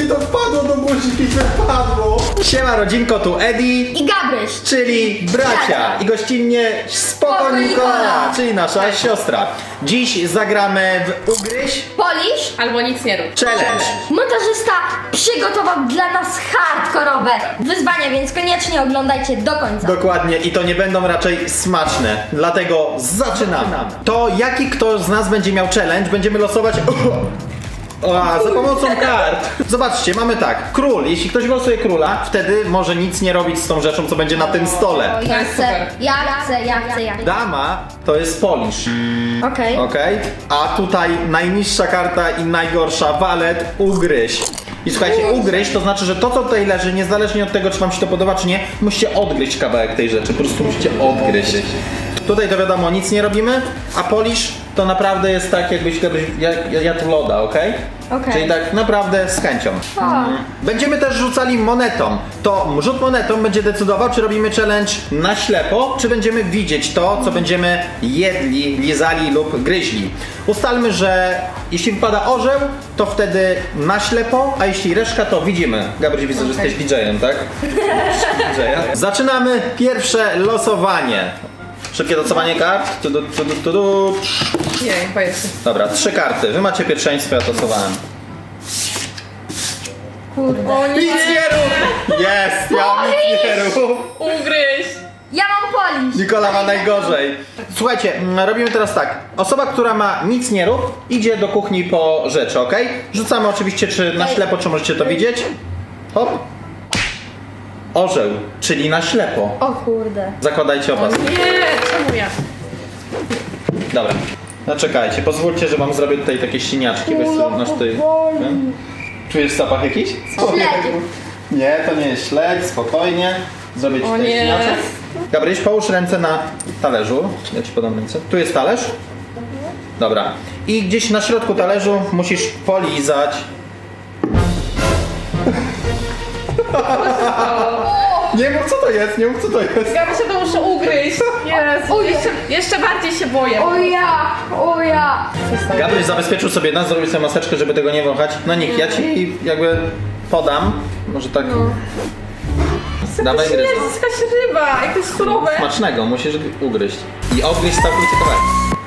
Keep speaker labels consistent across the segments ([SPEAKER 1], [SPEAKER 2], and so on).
[SPEAKER 1] mi to wpadło do buzi, wypadło. Siema rodzinko, tu Eddie
[SPEAKER 2] I Gabryś.
[SPEAKER 1] czyli bracia i gościnnie Spoko Nikola, czyli nasza siostra. Dziś zagramy w Ugryź
[SPEAKER 2] Polisz.
[SPEAKER 3] Albo nic nie rób.
[SPEAKER 1] Challenge.
[SPEAKER 2] Montażysta przygotował dla nas hardkorowe wyzwania, więc koniecznie oglądajcie do końca.
[SPEAKER 1] Dokładnie i to nie będą raczej smaczne, dlatego zaczynamy. To jaki kto z nas będzie miał challenge, będziemy losować za pomocą kart. Zobaczcie, mamy tak, król, jeśli ktoś wylosuje króla, wtedy może nic nie robić z tą rzeczą, co będzie na tym stole.
[SPEAKER 2] O,
[SPEAKER 3] To
[SPEAKER 2] ja
[SPEAKER 3] jest
[SPEAKER 2] chcę,
[SPEAKER 3] super.
[SPEAKER 2] ja chcę.
[SPEAKER 1] Dama to jest polisz,
[SPEAKER 2] Okej.
[SPEAKER 1] okej? A tutaj najniższa karta i najgorsza, walet, ugryź. I słuchajcie, ugryź to znaczy, że to co tutaj leży, niezależnie od tego, czy wam się to podoba, czy nie, musicie odgryźć kawałek tej rzeczy, po prostu musicie odgryźć. Tutaj to wiadomo, nic nie robimy, a polisz to naprawdę jest tak, jakbyś jadł loda, okej?
[SPEAKER 2] Okej.
[SPEAKER 1] Czyli tak naprawdę z chęcią. Będziemy też rzucali monetą. To rzut monetą będzie decydował, czy robimy challenge na ślepo, czy będziemy widzieć to, co będziemy jedli, lizali lub gryźli. Ustalmy, że jeśli wypada orzeł, to wtedy na ślepo, a jeśli reszka, to widzimy. Gabryś, widzę, że jesteś DJ-em, tak? DJ-a. Zaczynamy pierwsze losowanie. Szybkie losowanie kart.
[SPEAKER 3] Nie, powiedz.
[SPEAKER 1] Dobra, 3 karty. Wy macie pierwszeństwo, ja to losowałem.
[SPEAKER 2] Kurde.
[SPEAKER 3] O
[SPEAKER 1] Nic nie rób! Jest! Ja mam nic nie rób!
[SPEAKER 3] Ugryź!
[SPEAKER 2] Ja mam polisz.
[SPEAKER 1] Nikola ma najgorzej. Słuchajcie, robimy teraz tak. Osoba, która ma nic nie rób, idzie do kuchni po rzeczy, ok? Rzucamy oczywiście, czy na ślepo, czy możecie to widzieć. Hop. Orzeł, czyli na ślepo.
[SPEAKER 2] O kurde.
[SPEAKER 1] Zakładajcie opas.
[SPEAKER 3] Nie, czemu ja?
[SPEAKER 1] Dobra. No czekajcie, pozwólcie, że wam zrobię tutaj takie ścieniaczki. Weź sobie nasz tutaj. Ten. Czujesz zapach jakiś?
[SPEAKER 2] Śledziu.
[SPEAKER 1] Nie, to nie jest śledź, spokojnie. Zrobię ci
[SPEAKER 3] O
[SPEAKER 1] tutaj
[SPEAKER 3] nie.
[SPEAKER 1] ścieniaczek. Gabryś, połóż ręce na talerzu. Ja ci podam ręce. Tu jest talerz. Dobra. I gdzieś na środku talerzu musisz polizać. Nie mów co to jest, nie mów co to jest.
[SPEAKER 3] Ja się to muszę ugryźć. Jezu, jeszcze bardziej się boję.
[SPEAKER 2] O ja.
[SPEAKER 1] Gabryś zabezpieczył sobie nas, zrobił sobie maseczkę, żeby tego nie wąchać. No nikt, ja ci jakby podam. Może tak. Dawaj gryź.
[SPEAKER 3] Jezus, jakaś ryba, jak to jest surowe.
[SPEAKER 1] Smacznego, musisz ugryźć. I obgryźć całkowicie kawałek.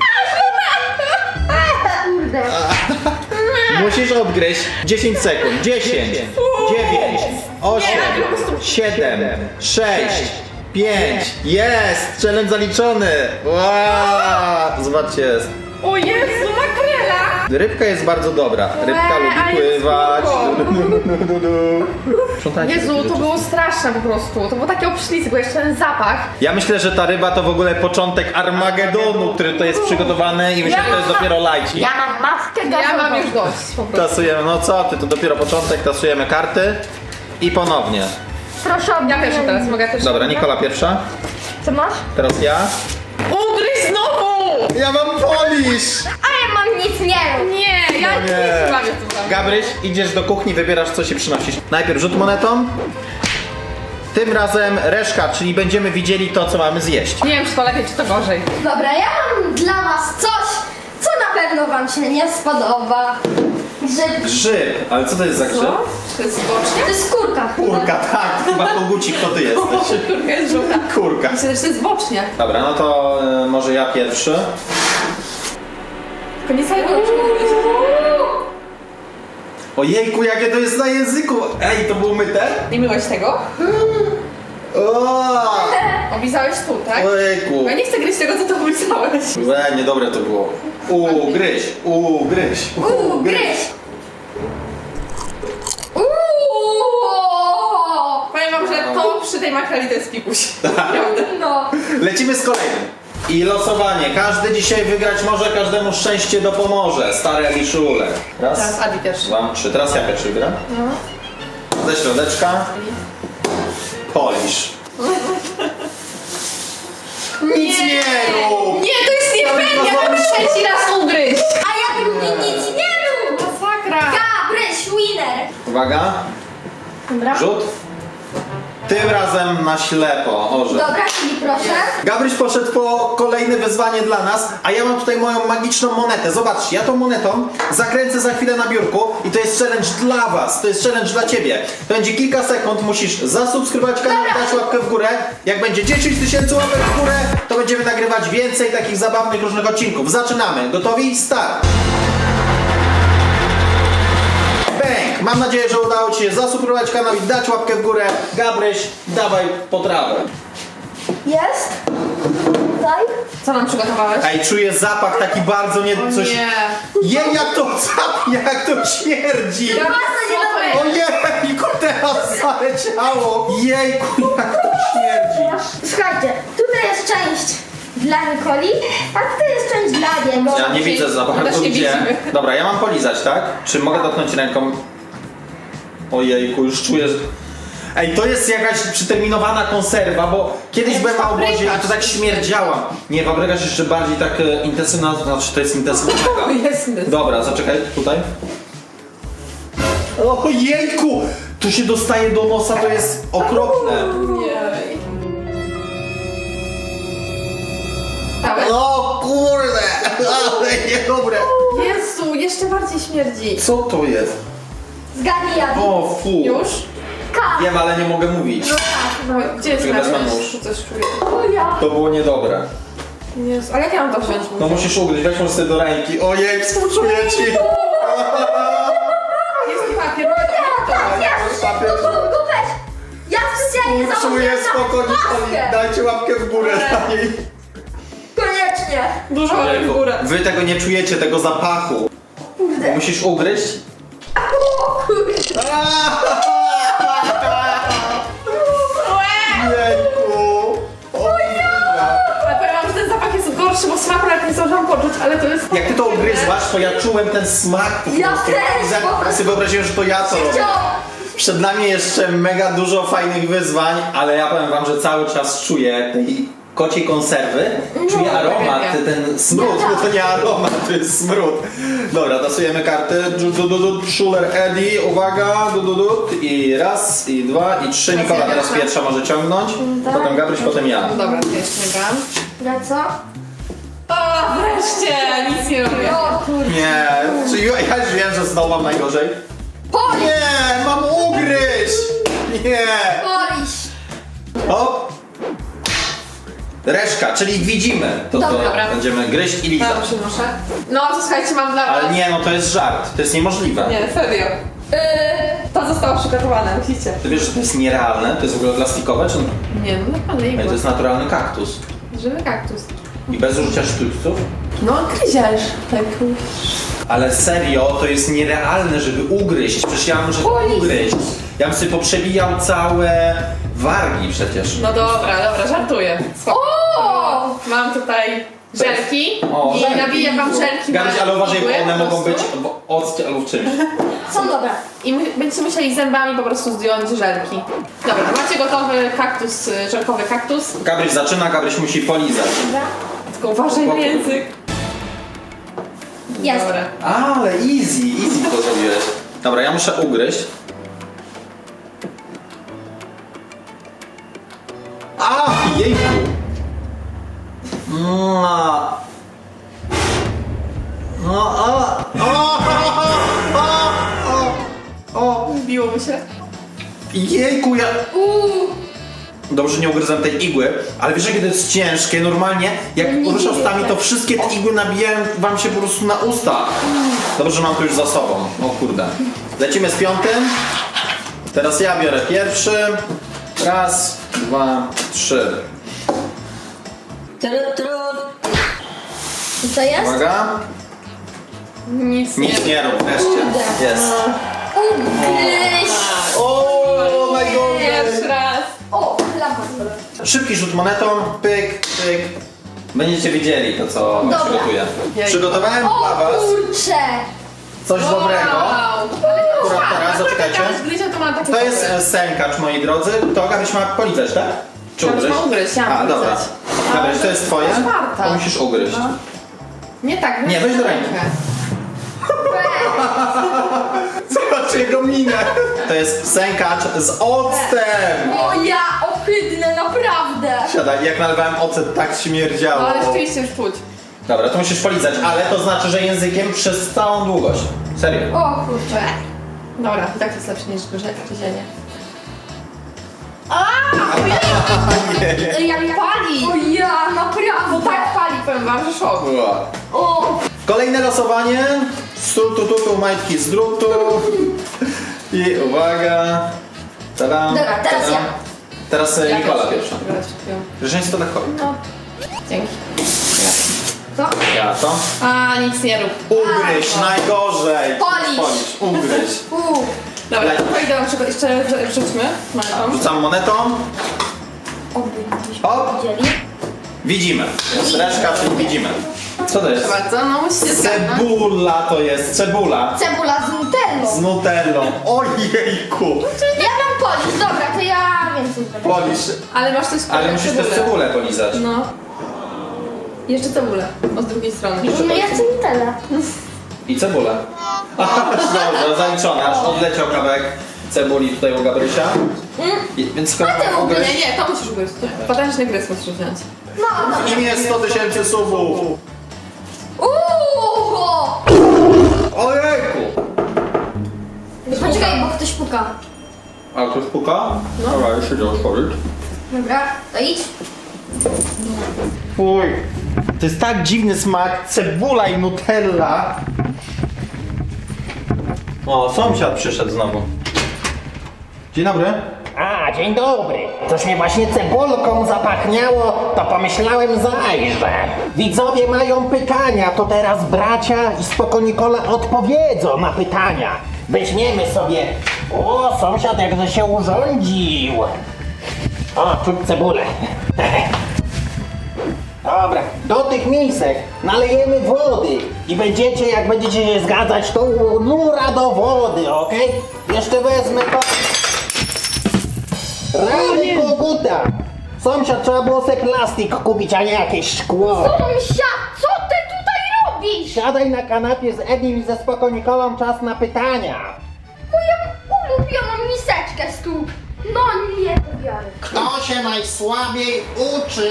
[SPEAKER 2] Kurde.
[SPEAKER 1] Musisz odgryźć 10 sekund. 10, 9, 8, 7, 6, 5. Jest! Challenge zaliczony! Wow! Zobaczcie, jest.
[SPEAKER 3] O Jezu, makrela!
[SPEAKER 1] Rybka jest bardzo dobra. Rybka
[SPEAKER 3] a
[SPEAKER 1] lubi
[SPEAKER 3] jest
[SPEAKER 1] pływać.
[SPEAKER 3] spoko.
[SPEAKER 1] Sprzątajcie
[SPEAKER 3] Jezu,
[SPEAKER 1] takie
[SPEAKER 3] to
[SPEAKER 1] rzeczy.
[SPEAKER 3] było straszne po prostu. To było takie obślizgłe, bo jeszcze ten zapach.
[SPEAKER 1] Ja myślę, że ta ryba to w ogóle początek Armagedonu, który to jest przygotowany i myślę, że to jest dopiero lajci.
[SPEAKER 2] Ja mam maskę gazową.
[SPEAKER 3] Ja mam już dość po prostu.
[SPEAKER 1] Tasujemy, no co ty, to dopiero początek, tasujemy karty i ponownie.
[SPEAKER 2] Proszę o
[SPEAKER 3] Ja pierwsza teraz, mogę też.
[SPEAKER 1] Dobra, Nikola pierwsza,
[SPEAKER 2] Co masz?
[SPEAKER 1] teraz ja.
[SPEAKER 3] Ugryź znowu!
[SPEAKER 1] Ja mam polisz!
[SPEAKER 2] A ja mam nic nie rób.
[SPEAKER 3] Nie, ja nie bawię tu tam.
[SPEAKER 1] Gabryś, idziesz do kuchni, wybierasz co się przynosisz. Najpierw rzut monetą. Tym razem reszka, czyli będziemy widzieli to, co mamy zjeść.
[SPEAKER 3] Nie wiem, czy to lepiej, czy to gorzej.
[SPEAKER 2] Dobra, ja mam dla was coś, co na pewno wam się nie spodoba. Grzyb.
[SPEAKER 1] Grzyb, ale co to jest za grzyb?
[SPEAKER 3] To jest bocznie?
[SPEAKER 2] To jest kurka.
[SPEAKER 1] Kurka, tak, chyba kogucik, to ty jesteś.
[SPEAKER 3] Kurka jest żółta.
[SPEAKER 1] Kurka.
[SPEAKER 3] Myślę, że to jest bocznie.
[SPEAKER 1] Dobra, no to może ja pierwszy.
[SPEAKER 3] Tylko nie całego ugryźć.
[SPEAKER 1] Ojejku, jakie to jest na języku! Ej, to było myte?
[SPEAKER 3] Nie myłeś tego?
[SPEAKER 1] O!
[SPEAKER 3] Oblizałeś tu, tak?
[SPEAKER 1] Ojejku.
[SPEAKER 3] Ja nie chcę gryźć tego, co to oblizałeś.
[SPEAKER 1] Niedobre to było. Ugryź, ugryź,
[SPEAKER 2] Gryź.
[SPEAKER 3] Powiem wam, że to przy tej makreli to jest pikuś. Naprawdę.
[SPEAKER 2] No.
[SPEAKER 1] Lecimy z kolejnym. I losowanie. Każdy dzisiaj wygrać może, każdemu szczęście dopomoże. Stare Liszule. Raz,
[SPEAKER 3] Teraz Adi pierwszy.
[SPEAKER 1] 2, 3. Teraz ja pierwszy gram. Ze środeczka. Polisz. Nic nie rób!
[SPEAKER 3] Nie, to jest nie fair, ja mam trzeci raz ugryźć.
[SPEAKER 2] A ja drugi nic nie rób.
[SPEAKER 3] Masakra.
[SPEAKER 2] Gabryś, winner.
[SPEAKER 1] Uwaga.
[SPEAKER 2] Dobra.
[SPEAKER 1] Rzut. Tym razem na ślepo, orze.
[SPEAKER 2] Dobra, czyli proszę.
[SPEAKER 1] Gabryś poszedł po kolejne wyzwanie dla nas, a ja mam tutaj moją magiczną monetę. Zobaczcie, ja tą monetą zakręcę za chwilę na biurku i to jest challenge dla was, to jest challenge dla ciebie. To będzie kilka sekund, musisz zasubskrybować kanał, dać łapkę w górę. Jak będzie 10 000 łapek w górę, to będziemy nagrywać więcej takich zabawnych różnych odcinków. Zaczynamy. Gotowi? Start! Bang! Mam nadzieję, że udało ci się zasubskrybować kanał i dać łapkę w górę. Gabryś, dawaj potrawę.
[SPEAKER 2] Jest. Tutaj.
[SPEAKER 3] Co nam przygotowałeś?
[SPEAKER 1] Ej, czuję zapach taki bardzo nie...
[SPEAKER 3] O
[SPEAKER 1] coś...
[SPEAKER 3] nie.
[SPEAKER 1] Jej, jak to śmierdzi!
[SPEAKER 2] Bardzo niedobre.
[SPEAKER 1] Ojejku, teraz zaleciało! Jejku, jak to śmierdzi!
[SPEAKER 2] Słuchajcie, tutaj jest część dla Nikoli, a tutaj jest część dla niego.
[SPEAKER 1] Ja nie widzę za bardzo
[SPEAKER 3] Też nie
[SPEAKER 1] gdzie.
[SPEAKER 3] widzimy.
[SPEAKER 1] Dobra, ja mam polizać, tak? Czy mogę dotknąć ręką? Ojejku, już czuję, że... Ej, to jest jakaś przeterminowana konserwa, bo kiedyś
[SPEAKER 3] Jak
[SPEAKER 1] byłem na obozie i to
[SPEAKER 3] paprykarz.
[SPEAKER 1] tak śmierdziała. Nie, paprykarz jeszcze bardziej tak intensywna, znaczy to jest intensywna.
[SPEAKER 3] Jest.
[SPEAKER 1] Dobra, zaczekaj, tutaj. Ojejku! Tu się dostaje do nosa, to jest okropne.
[SPEAKER 3] Jej. Dałeś?
[SPEAKER 1] O kurde, ale niedobre.
[SPEAKER 3] Jezu, jeszcze bardziej śmierdzi.
[SPEAKER 1] Co to jest?
[SPEAKER 2] Zgadnij ja.
[SPEAKER 1] O fu.
[SPEAKER 3] Już?
[SPEAKER 2] K.
[SPEAKER 1] Wiem, ale nie mogę mówić.
[SPEAKER 3] No, gdzie jest
[SPEAKER 1] Czekaj, wezmę
[SPEAKER 3] nasz?
[SPEAKER 1] nóż.
[SPEAKER 3] Tu coś czuję.
[SPEAKER 2] O ja.
[SPEAKER 1] To było niedobre.
[SPEAKER 3] Jezu, ale jak ja mam to wziąć?
[SPEAKER 1] No musisz ugryźć, weź może sobie do ręki. Ojej, współczuję ci.
[SPEAKER 3] Jest mi papier.
[SPEAKER 2] Tak, ja
[SPEAKER 1] Papier.
[SPEAKER 2] szybko go weź. Ja specjalnie
[SPEAKER 1] Współczuję,
[SPEAKER 2] założyłem
[SPEAKER 1] spokojnie.
[SPEAKER 2] maskę.
[SPEAKER 1] Dajcie łapkę w górę dla niej.
[SPEAKER 2] Koniecznie.
[SPEAKER 3] Dużo łapek w górę.
[SPEAKER 1] Wy tego nie czujecie, tego zapachu.
[SPEAKER 2] Kurde.
[SPEAKER 1] Musisz ugryźć.
[SPEAKER 2] O kurde.
[SPEAKER 1] Jejku.
[SPEAKER 3] Ale powiem wam, że ten zapach jest gorszy, bo smaku nawet nie zdążyłam poczuć, ale to jest...
[SPEAKER 1] Jak ty to ugryzłaś, to ja czułem ten smak. po
[SPEAKER 2] Ja
[SPEAKER 1] prostu.
[SPEAKER 2] też, po
[SPEAKER 1] Ja
[SPEAKER 2] prostu.
[SPEAKER 1] sobie wyobraziłem, że to ja to robię.
[SPEAKER 2] Chciałam.
[SPEAKER 1] Przed nami jeszcze mega dużo fajnych wyzwań, ale ja powiem wam, że cały czas czuję tej kociej konserwy. Czuję aromat,
[SPEAKER 3] ja.
[SPEAKER 1] ten smród,
[SPEAKER 2] Ja
[SPEAKER 1] bo to nie aromat, to jest smród. Dobra, tasujemy karty. Schuller Eddie, uwaga, i raz, i dwa, i trzy. Nikola teraz pierwsza może ciągnąć, potem Gabryś, potem ja.
[SPEAKER 3] Dobra, to jeszcze nie gram.
[SPEAKER 2] Na co?
[SPEAKER 3] O, wreszcie! Nic nie robię.
[SPEAKER 2] O kurde.
[SPEAKER 1] Nie, czy ja już wiem, że znowu mam najgorzej.
[SPEAKER 2] Polisz.
[SPEAKER 1] Nie, mam ugryźć! Nie!
[SPEAKER 2] Polisz.
[SPEAKER 1] Hop! Reszka, czyli widzimy. To
[SPEAKER 3] Dobra.
[SPEAKER 1] będziemy gryźć i lizać.
[SPEAKER 3] Tam przynoszę. No, to słuchajcie, mam dla was...
[SPEAKER 1] Ale nie, no to jest żart, to jest niemożliwe.
[SPEAKER 3] Nie, serio. To zostało przygotowane, musicie.
[SPEAKER 1] Ty wiesz, że to jest nierealne? To jest w ogóle plastikowe, czy...
[SPEAKER 3] Nie, no naprawdę
[SPEAKER 1] Ej, to
[SPEAKER 3] igła.
[SPEAKER 1] jest naturalny kaktus.
[SPEAKER 3] Żywy kaktus.
[SPEAKER 1] I bez użycia sztućców?
[SPEAKER 3] No, gryziesz. Tak.
[SPEAKER 1] Ale serio, to jest nierealne, żeby ugryźć. Przecież ja muszę to
[SPEAKER 2] Oj.
[SPEAKER 1] ugryźć. Ja bym sobie poprzebijał całe wargi przecież.
[SPEAKER 3] No dobra, żartuję. Spoko.
[SPEAKER 2] O!
[SPEAKER 3] Mam tutaj żelki
[SPEAKER 1] O,
[SPEAKER 3] i
[SPEAKER 1] żelki.
[SPEAKER 3] nabiję wam żelki
[SPEAKER 1] Gabryś,
[SPEAKER 3] na
[SPEAKER 1] ale uważaj, bo
[SPEAKER 3] igły
[SPEAKER 1] one
[SPEAKER 3] po
[SPEAKER 1] mogą być
[SPEAKER 3] prostu.
[SPEAKER 1] w occie albo w czymś.
[SPEAKER 2] Są dobre.
[SPEAKER 3] I będziecie musieli zębami po prostu zdjąć żelki. Dobra, macie gotowy kaktus, żelkowy kaktus.
[SPEAKER 1] Gabryś zaczyna, Gabryś musi polizać.
[SPEAKER 2] Dobra.
[SPEAKER 3] Tylko uważaj na język.
[SPEAKER 2] Jest.
[SPEAKER 3] Dobra.
[SPEAKER 1] Ale easy to zrobiłeś. Dobra, ja muszę ugryźć. A, jejku. No. O.
[SPEAKER 3] Biło mi się.
[SPEAKER 1] Jejku, ja... Dobrze, nie ugryzłem tej igły, ale wiesz, jakie to jest ciężkie. Normalnie, jak
[SPEAKER 2] Nie
[SPEAKER 1] ruszasz
[SPEAKER 2] dziwię
[SPEAKER 1] ustami,
[SPEAKER 2] się.
[SPEAKER 1] to wszystkie te igły nabijają wam się po prostu na usta. Dobrze, że mam to już za sobą. O kurde. Lecimy z piątym. Teraz ja biorę pierwszy. Raz, dwa, trzy.
[SPEAKER 2] I co jest?
[SPEAKER 1] Uwaga.
[SPEAKER 3] Nic
[SPEAKER 1] Nic nie rób, wreszcie. Jest.
[SPEAKER 2] Ugryź.
[SPEAKER 1] O,
[SPEAKER 3] Pierwszy
[SPEAKER 1] najgorzej.
[SPEAKER 3] raz.
[SPEAKER 2] O, lampa.
[SPEAKER 1] Szybki rzut monetą. Pyk, pyk. Będziecie widzieli to, co
[SPEAKER 2] Dobra.
[SPEAKER 1] przygotuję.
[SPEAKER 3] Jej.
[SPEAKER 1] Przygotowałem
[SPEAKER 2] O
[SPEAKER 1] dla was
[SPEAKER 2] kurcze.
[SPEAKER 1] coś dobrego.
[SPEAKER 3] Wow.
[SPEAKER 1] Akurat teraz, zaczekajcie.
[SPEAKER 3] To ma takie
[SPEAKER 1] To jest
[SPEAKER 3] dobre.
[SPEAKER 1] sękacz, moi drodzy. To Gabryś ma polizać, tak? Czy
[SPEAKER 3] Gabryś
[SPEAKER 1] ugryźć?
[SPEAKER 3] ma ugryźć, ja mam
[SPEAKER 1] A, dobra.
[SPEAKER 3] polizać.
[SPEAKER 1] Gabryś, to jest twoje?
[SPEAKER 3] Czwarta.
[SPEAKER 1] To musisz ugryźć.
[SPEAKER 3] Nie tak,
[SPEAKER 1] Nie, weź do ręki. Zobacz jego minę. to jest sękacz z octem.
[SPEAKER 2] O ja, ohydne, naprawdę.
[SPEAKER 1] Siadaj, jak nalewałem ocet, tak śmierdziało.
[SPEAKER 3] No ale rzeczywiście już czuć.
[SPEAKER 1] Dobra, to musisz polizać, ale to znaczy, że językiem przez całą długość. Serio.
[SPEAKER 2] O kurczę.
[SPEAKER 3] Dobra, i tak to jest lepsze niż gryzienie.
[SPEAKER 2] Ja pali. O ja, naprawdę.
[SPEAKER 3] Tak pali, powiem wam, że szok.
[SPEAKER 2] O,
[SPEAKER 1] Kolejne losowanie. Z tu, majtki z drutu. I uwaga. Tadam,
[SPEAKER 2] Dobra, teraz
[SPEAKER 1] tadam.
[SPEAKER 2] ja.
[SPEAKER 1] Teraz Nikola pierwsza.
[SPEAKER 3] Dobra, dziękuję.
[SPEAKER 1] Rzeźnictwo lekko.
[SPEAKER 2] no.
[SPEAKER 3] Dzięki.
[SPEAKER 2] To?
[SPEAKER 1] Ja to.
[SPEAKER 3] A, nic nie rób.
[SPEAKER 1] Ugryź, najgorzej.
[SPEAKER 2] Polisz.
[SPEAKER 1] Ugryź.
[SPEAKER 3] Dobra, to idę na przykład jeszcze rzućmy monetą.
[SPEAKER 1] Rzucam monetą.
[SPEAKER 2] Oby
[SPEAKER 1] Hop.
[SPEAKER 2] widzieli.
[SPEAKER 1] Widzimy. Reszka, czyli widzimy. Co to jest?
[SPEAKER 3] Proszę bardzo, no musicie zgadnąć.
[SPEAKER 1] Cebula to jest, cebula.
[SPEAKER 2] Cebula z nutellą.
[SPEAKER 1] Z nutellą. Ojejku.
[SPEAKER 2] Ja mam polisz, dobra, to ja więcej zrobię.
[SPEAKER 1] Polisz.
[SPEAKER 3] Ale masz też
[SPEAKER 1] Ale musisz też cebulę polizać.
[SPEAKER 3] No. Jeszcze cebulę. O, z drugiej strony.
[SPEAKER 2] No ja chcę nutellę.
[SPEAKER 1] I cebulę. Aha, dobrze, zaliczone. Aż odleciał kawałek cebuli tutaj u Gabrysia. Więc chyba
[SPEAKER 2] ty
[SPEAKER 3] Nie,
[SPEAKER 1] ugryź.
[SPEAKER 3] nie, to musisz ugryźć. Potężny gryz musisz wziąć.
[SPEAKER 2] No, dobra.
[SPEAKER 1] W imię 100 000 subów. Ojejku.
[SPEAKER 2] Poczekaj, bo ktoś puka.
[SPEAKER 1] A ktoś puka? No. Dobra, już idę otworzyć.
[SPEAKER 2] Dobra, to idź.
[SPEAKER 1] Fuj. To jest tak dziwny smak. Cebula i nutella. O, sąsiad przyszedł znowu. Dzień dobry.
[SPEAKER 4] A, dzień dobry. Coś mnie właśnie cebulką zapachniało, to pomyślałem zajrzę. Widzowie mają pytania, to teraz bracia i Spoko Nikola odpowiedzą na pytania. Weźmiemy sobie... O, sąsiad jakże się urządził. O, czuć cebulę. Dobra, do tych misek nalejemy wody i będziecie, jak będziecie się zgadzać, to nura do wody, okej? Jeszcze wezmę to... Rany koguta! Sąsiad, trzeba było sobie plastik kupić, a nie jakieś szkło.
[SPEAKER 2] Sąsiad, co ty tutaj robisz?
[SPEAKER 4] Siadaj na kanapie z Edim i ze Spoko Nikolą, czas na pytania.
[SPEAKER 2] Moją ulubioną miseczkę stóp. No nie to biorę.
[SPEAKER 4] Kto się najsłabiej uczy?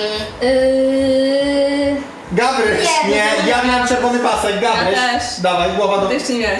[SPEAKER 1] Gabryś, nie, ja miałem czerwony pasek, Gabryś.
[SPEAKER 3] Ja też.
[SPEAKER 1] Dawaj, głowa do...
[SPEAKER 3] Ty jeszcze nie miałeś.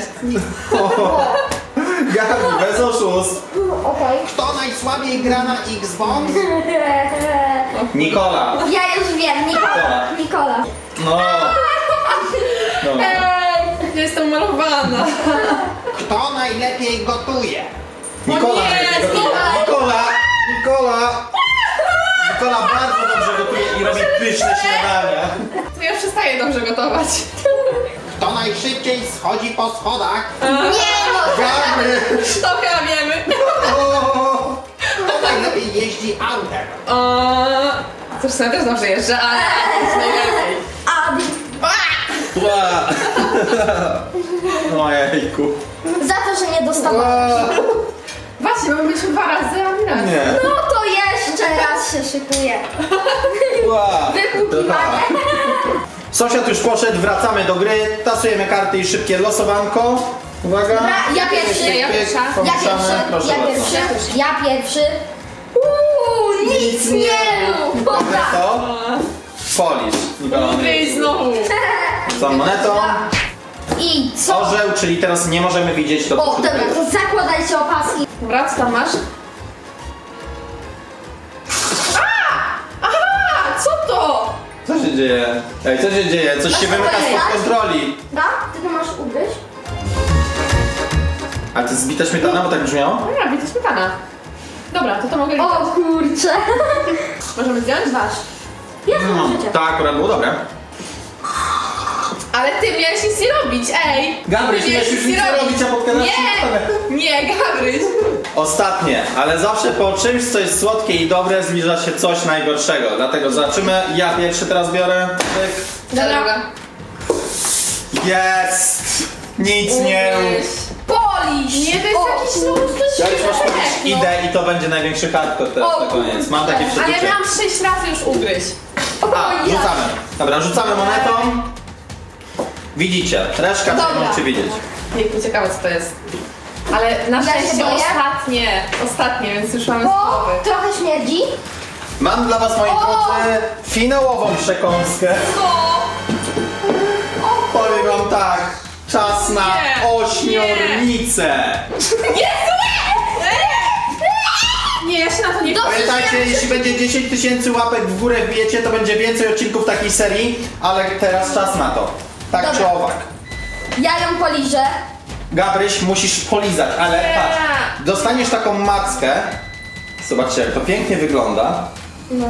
[SPEAKER 1] Gabry, bez oszustw.
[SPEAKER 2] Okej.
[SPEAKER 4] Kto najsłabiej gra na Xbox?
[SPEAKER 1] Nikola.
[SPEAKER 2] Ja już wiem, Nikola. Nikola.
[SPEAKER 1] No. Dobra.
[SPEAKER 3] Ja jestem malowana.
[SPEAKER 4] Kto najlepiej gotuje?
[SPEAKER 1] Nikola,
[SPEAKER 3] nie,
[SPEAKER 1] Nikola bardzo dobrze gotuje i robi pyszne śniadania.
[SPEAKER 3] To ja przestaję dobrze gotować.
[SPEAKER 4] Kto najszybciej schodzi po schodach?
[SPEAKER 2] Nie no.
[SPEAKER 1] Gabryś.
[SPEAKER 3] To chyba wiemy.
[SPEAKER 4] Kto najlepiej jeździ autem?
[SPEAKER 3] Zresztą ja też dobrze jeżdżę, ale jest najlepiej.
[SPEAKER 2] Adi.
[SPEAKER 1] Ojejku.
[SPEAKER 2] Za to, że nie dostawałeś.
[SPEAKER 3] Właśnie, bo my byliśmy 2 razy, a nie raz.
[SPEAKER 1] Nie.
[SPEAKER 2] No to jeszcze raz się szykuję.
[SPEAKER 1] Ła.
[SPEAKER 2] Wypukiwanie.
[SPEAKER 1] Sąsiad już poszedł, wracamy do gry, tasujemy karty i szybkie losowanko. Uwaga.
[SPEAKER 2] Dobra, ja pierwszy.
[SPEAKER 3] Ja pierwsza.
[SPEAKER 2] Ja
[SPEAKER 1] Pomieszamy.
[SPEAKER 2] pierwszy.
[SPEAKER 1] Proszę
[SPEAKER 2] Ja
[SPEAKER 1] bardzo.
[SPEAKER 2] pierwszy. Ja pierwszy. Nic nie rób. Dobra.
[SPEAKER 1] To? Polisz. Nikola.
[SPEAKER 3] Ugryź znowu.
[SPEAKER 1] Za monetą.
[SPEAKER 2] I co?
[SPEAKER 1] Orzeł, czyli teraz nie możemy widzieć to.
[SPEAKER 2] O, dobra, to zakładajcie opaski.
[SPEAKER 3] Dobra, co tam masz? Aha! Co to?
[SPEAKER 1] Co się dzieje? Ej, co się dzieje? Coś się wymyka spod kontroli.
[SPEAKER 2] Da? Ty to masz ugryźć?
[SPEAKER 1] A to jest zbita śmietana, bo tak brzmiało?
[SPEAKER 3] No ja, to śmietana. Dobra, to mogę
[SPEAKER 2] O
[SPEAKER 3] liczyć.
[SPEAKER 2] kurczę.
[SPEAKER 3] Możemy zdjąć?
[SPEAKER 2] Wasz. Jest życie.
[SPEAKER 1] Tak, akurat było dobre.
[SPEAKER 3] Ale ty miałeś nic nie robić, ej!
[SPEAKER 1] Gabryś,
[SPEAKER 3] Ty
[SPEAKER 1] miałeś już nic nie robić, a podkładasz śmietanę.
[SPEAKER 3] Nie, Gabryś!
[SPEAKER 1] Ostatnie, ale zawsze po czymś, co jest słodkie i dobre, zbliża się coś najgorszego. Dlatego zobaczymy. Ja pierwszy teraz biorę. Tyk.
[SPEAKER 3] Dobra.
[SPEAKER 1] Jest! Nic nie rób.
[SPEAKER 2] Polisz.
[SPEAKER 3] Nie, to jest jakiś luz, to
[SPEAKER 1] Ja już masz powiedzieć,
[SPEAKER 3] no.
[SPEAKER 1] idę i to będzie największy hardcore teraz
[SPEAKER 2] O,
[SPEAKER 1] na koniec. Mam takie
[SPEAKER 3] Ale
[SPEAKER 1] przeczucie.
[SPEAKER 3] miałam 6 razy już ugryźć.
[SPEAKER 1] A, rzucamy. Dobra, rzucamy monetą. Widzicie, reszka
[SPEAKER 2] Dobra.
[SPEAKER 1] możecie widzieć.
[SPEAKER 3] Jejku, ciekawe co to jest. Ale na
[SPEAKER 2] Ja się
[SPEAKER 3] szczęście
[SPEAKER 2] boję.
[SPEAKER 3] ostatnie, więc już mamy
[SPEAKER 2] Bo
[SPEAKER 3] spróbowy.
[SPEAKER 2] trochę śmierdzi.
[SPEAKER 1] Mam dla was, moi
[SPEAKER 2] O!
[SPEAKER 1] drodzy, finałową przekąskę. Powiem wam tak, czas na
[SPEAKER 3] Nie,
[SPEAKER 1] ośmiornicę.
[SPEAKER 3] Nie, ja się na to nie
[SPEAKER 1] Pamiętajcie, jeśli będzie 10 tysięcy łapek w górę wbijecie, to będzie więcej odcinków takiej serii, ale teraz czas na to. Tak
[SPEAKER 2] Dobra.
[SPEAKER 1] czy owak.
[SPEAKER 2] Ja ją poliżę.
[SPEAKER 1] Gabryś, musisz polizać, ale
[SPEAKER 3] Nie.
[SPEAKER 1] patrz, dostaniesz taką mackę. Zobaczcie, jak to pięknie wygląda.
[SPEAKER 2] No.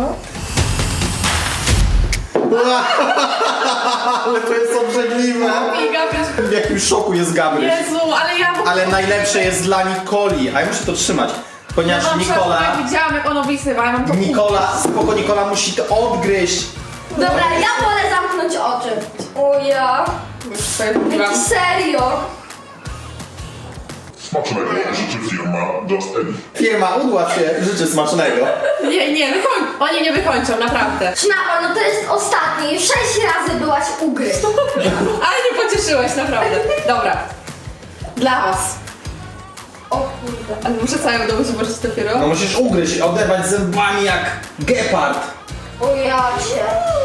[SPEAKER 1] Ale to jest obrzydliwe. W jakim szoku jest Gabryś.
[SPEAKER 3] Jezu, ale ja...
[SPEAKER 1] Ale najlepsze jest dla Nikoli, a ja muszę to trzymać, ponieważ
[SPEAKER 3] Ja
[SPEAKER 1] Nikola,
[SPEAKER 3] jak widziałam, jak ono wysyła, ja mam to...
[SPEAKER 1] Nikola musi to odgryźć.
[SPEAKER 2] Dobra, ja wolę zamknąć oczy. O ja.
[SPEAKER 3] Już sobie mówiłam.
[SPEAKER 2] Serio?
[SPEAKER 5] Smacznego życzy firma Just Egg.
[SPEAKER 1] Firma Udła się życzy smacznego.
[SPEAKER 3] Nie, oni nie wykończą, naprawdę.
[SPEAKER 2] Sznapa, no to jest ostatni. 6 razy byłaś ugryźć.
[SPEAKER 3] Ale nie pocieszyłeś, naprawdę. Dobra. Dla was.
[SPEAKER 2] O kurde.
[SPEAKER 3] Ale muszę całą domu zobaczyć dopiero.
[SPEAKER 1] No musisz ugryźć, oderwać zębami jak gepard.
[SPEAKER 2] O ja cię.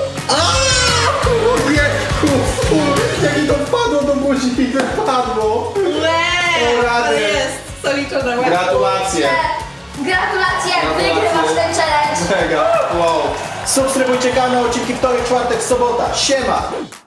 [SPEAKER 1] Jak mi to wpadło do buzi, mi wypadło. O rady.
[SPEAKER 3] Ale jest zaliczone.
[SPEAKER 1] Gratulacje.
[SPEAKER 2] Gratulacje,
[SPEAKER 1] Gratulacje.
[SPEAKER 2] wygrywasz ten challenge.
[SPEAKER 1] Mega, wow. Subskrybujcie kanał, odcinki wtorek, czwartek, sobota. Siema.